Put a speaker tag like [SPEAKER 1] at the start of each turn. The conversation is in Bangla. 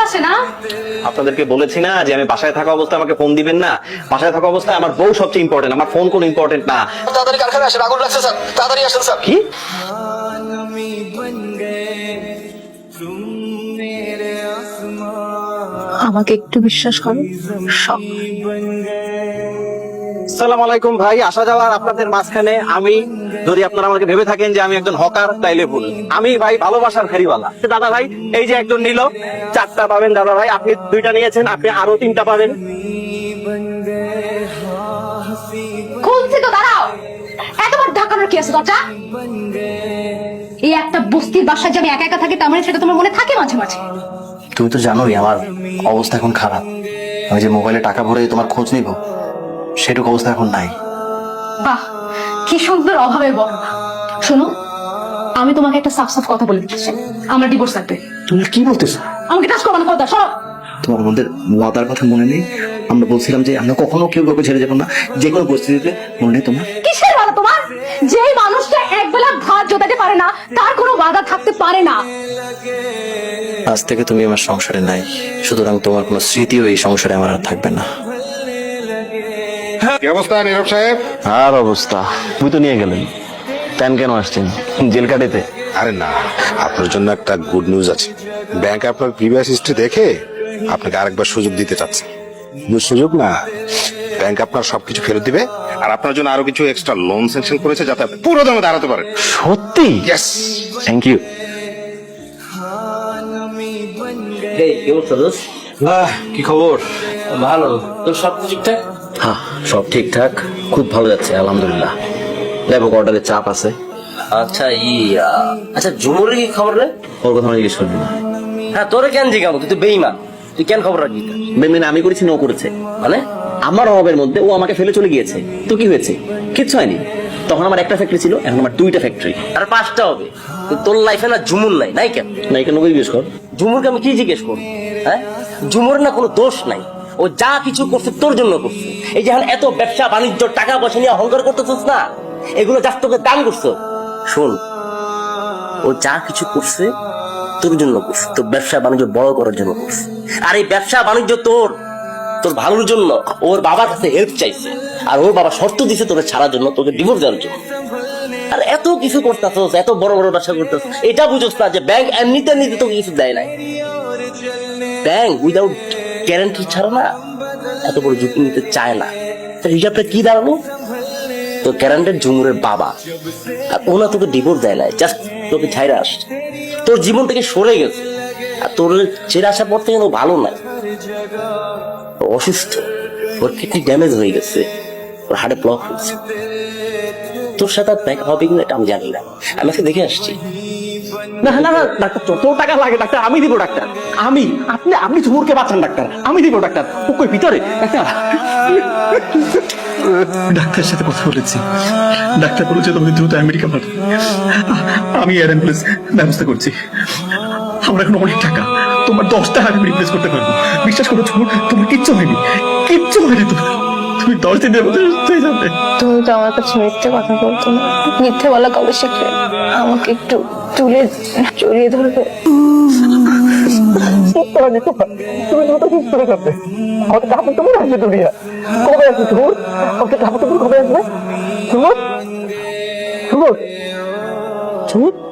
[SPEAKER 1] আছে না?
[SPEAKER 2] আপনাদেরকে বলেছি না যে আমি বাসায় থাকা অবস্থায় আমাকে ফোন দিবেন না। বাসায় থাকা অবস্থায় আমার বউ সবচেয়ে ইম্পর্টেন্ট, আমার ফোন কোনো ইম্পর্টেন্ট না।
[SPEAKER 3] তাড়াতাড়ি কারখানায় আসেন, আগুন লাগছে স্যার, তাড়াতাড়ি আসেন স্যার।
[SPEAKER 2] কি?
[SPEAKER 1] আমাকে একটু বিশ্বাস করো, সব
[SPEAKER 2] আসসালামু আলাইকুম ভাই, আসা যাওয়ার আপনাদের মাঝখানে আমি, যদি আপনারা আমাকে ভেবে থাকেন যে আমি একজন হকার তাইলে ভুল। আমি ভাই ভালোবাসার ফেরিওয়ালা। দাদা ভাই, এই যে একজন নিল, 4টা পাবেন। দাদা ভাই, আপনি 2টা নিয়েছেন, আপনি আরো 3টা পাবেন।
[SPEAKER 1] খুলছি তো, দাঁড়াও। এতবার ঢাকানোর কি আছে দরজা? এই একটা বস্তির বাসায় যে আমি একা একা থাকি, তার মানে সেটা তোমার মনে থাকে মাঝে মাঝে?
[SPEAKER 4] তুমি তো জানোই আমার অবস্থা এখন খারাপ। আমি যে মোবাইলে টাকা ভরে তোমার খোঁজ নিব, সেটুকু অবস্থা এখন নাই।
[SPEAKER 1] বাহ, কি সুন্দর অভাবে বর্ণনা। শোনো, আমি তোমাকে একটা সাফ সাফ কথা বলে দিচ্ছি, আমরা ডিভোর্স লাগবে।
[SPEAKER 4] তুমি কি বলতেছো?
[SPEAKER 1] আমাকে টাচ করবো না, কথা শোনো।
[SPEAKER 4] তোমার আমাদের ওয়াদার কথা মনে নেই? আমরা বলছিলাম যে আমরা কখনো কেউ কাউকে ছেড়ে যাবো না, যে কোনো পরিস্থিতিতে। মনে নেই তোমার?
[SPEAKER 1] কিসের ওয়াদা তোমার? যেই মানুষটা একবেলা ভাত জোটাতে পারে না, তার কোনো ওয়াদা থাকতে পারে না।
[SPEAKER 4] আজ থেকে তুমি আমার সংসারে নাই, সুতরাং তোমার কোনো স্মৃতিও এই সংসারে আমার আর থাকবে না।
[SPEAKER 5] কি অবস্থা নীরব সাহেব?
[SPEAKER 2] আর অবস্থা, তুই তো নিয়ে গেলেন। প্যান কেন আসছেন? জেল কাটেতে?
[SPEAKER 5] আরে না, আপনার জন্য একটা গুড নিউজ আছে। ব্যাংক আপনার প্রিভিয়াস হিস্ট্রি দেখে আপনাকে আরেকবার সুযোগ দিতে চাচ্ছে। সুযোগ না, ব্যাংক আপনার সবকিছু ফেরত দিবে, আর আপনার জন্য আরো কিছু এক্সট্রা লোন স্যাংশন করেছে যাতে আপনি পুরো দামে দাঁড়াতে পারেন।
[SPEAKER 2] সত্যি?
[SPEAKER 5] ইয়েস।
[SPEAKER 2] Thank you.
[SPEAKER 4] কি খবর?
[SPEAKER 6] ভালো। তোর সব ঠিকঠাক?
[SPEAKER 4] হ্যাঁ, সব ঠিকঠাক, খুব ভালো যাচ্ছে আলহামদুলিল্লাহ। লেবু অর্ডারের চাপ আছে।
[SPEAKER 6] আচ্ছা আচ্ছা ঝুমুরের কি খবর রে?
[SPEAKER 4] ওর কথা আমি জিজ্ঞেস করবি না।
[SPEAKER 6] হ্যাঁ, তোরে কেন জিজ্ঞাসা? তুই তো বেঈমান, তুই কেন খবর রাখবি?
[SPEAKER 4] বেমিন আমি করেছি না ও করেছে?
[SPEAKER 6] মানে
[SPEAKER 4] আমার অভাবের মধ্যে ও আমাকে ফেলে চলে গিয়েছে, তো কি হয়েছে? কিচ্ছু হয়নি। তখন আমার একটা ফ্যাক্টরি ছিল, এখন আমার 2টা ফ্যাক্টরি।
[SPEAKER 6] আর 5টা হবে। তো তোর লাইফে না ঝুমুর নাই, নাই কেন?
[SPEAKER 4] না, এখানে ওকে জিজ্ঞেস কর।
[SPEAKER 6] ঝুমুরকে আমি কি জিজ্ঞেস করবো? হ্যাঁ, ঝুমুর না কোনো দোষ নাই, ও যা কিছু করছে তোর জন্য করছে। এই যে এখন এত ব্যবসা বাণিজ্য টাকা পয়সা নিয়ে অহংকার করতেছিস না, এগুলো যা তোকে দান করছো। শোন, ও যা কিছু করছে তোর জন্য করছে, তোর ব্যবসা বাণিজ্য বড় করার জন্য করছে। আর এই ব্যবসা বাণিজ্য তোর তোর ভালোর জন্য ওর বাবার কাছে হেল্প চাইছে, আর ওর বাবা শর্ত দিছে তোকে ছাড়ার জন্য, তোকে ডিভোর্স দেওয়ার জন্য। আর এত কিছু করতেছস, এত বড় বড় ব্যবসা করতেছস, এটা বুঝোস না যে ব্যাংক এমনিতে তোকে কিছু দেয় নাই। ব্যাংক উইদাউট গ্যারান্টি ছাড়া না এত বড় ঝুঁকি নিতে চায় না। তার হিসাবটা কি দাঁড়ালো? তো গ্যারান্টেড ঝুমুরের বাবা, আর ওনা তোকে ডিভোর্স দেয় নাই, জাস্ট তোকে ছাইরা আসছে, তোর জীবন থেকে সরে গেছে। আর তোর ছেড়ে আসার পর থেকে ও ভালো নাই, অসুস্থ, ওর কিডনি ড্যামেজ হয়ে গেছে, ওর হার্টে ব্লক হয়েছে। তোর সাথে দেখা হবে কিনা এটা আমি জানি না, আমি আজকে দেখে আসছি।
[SPEAKER 2] না না না ডাক্তার, যত টাকা লাগে ডাক্তার আমি দিব ডাক্তার। আমি, আপনি ঝুমুরকে বাঁচান ডাক্তার, আমি দিব ডাক্তার। ও কই ভিতরে? ডাক্তার,
[SPEAKER 7] ডাক্তারের সাথে কথা বলেছি, ডাক্তার বলেছে তোমাকে দ্রুত আমেরিকা পাঠাতে। আমি এয়ার অ্যাম্বুলেন্স ব্যবস্থা করছি। আমরা এখন অনেক টাকা, তোমার 10টা আমি রিপ্লেস করতে পারবো। বিশ্বাস করো ঝুমুর, তোমার কিচ্ছু হয়নি, কিচ্ছু হয়নি। তুমি 10 দিনের মধ্যে সুস্থ হয়ে যাবে।
[SPEAKER 8] তুমি তো আমার কাছে মিথ্যে কথা বলতো না, মিথ্যে বলা কবে শিখলে? আমাকে একটু তুলে জড়িয়ে ধরবে।
[SPEAKER 2] তুমি দ্রুত সুস্থ হয়ে যাবে। আমাদের কাপড় তোমার আসবে দুনিয়া। কবে আসবে ঝুমুর? আমাদের কাপড় তোমার কবে আসবে? ঝুমুর, ঝুমুর, ঝুমুর।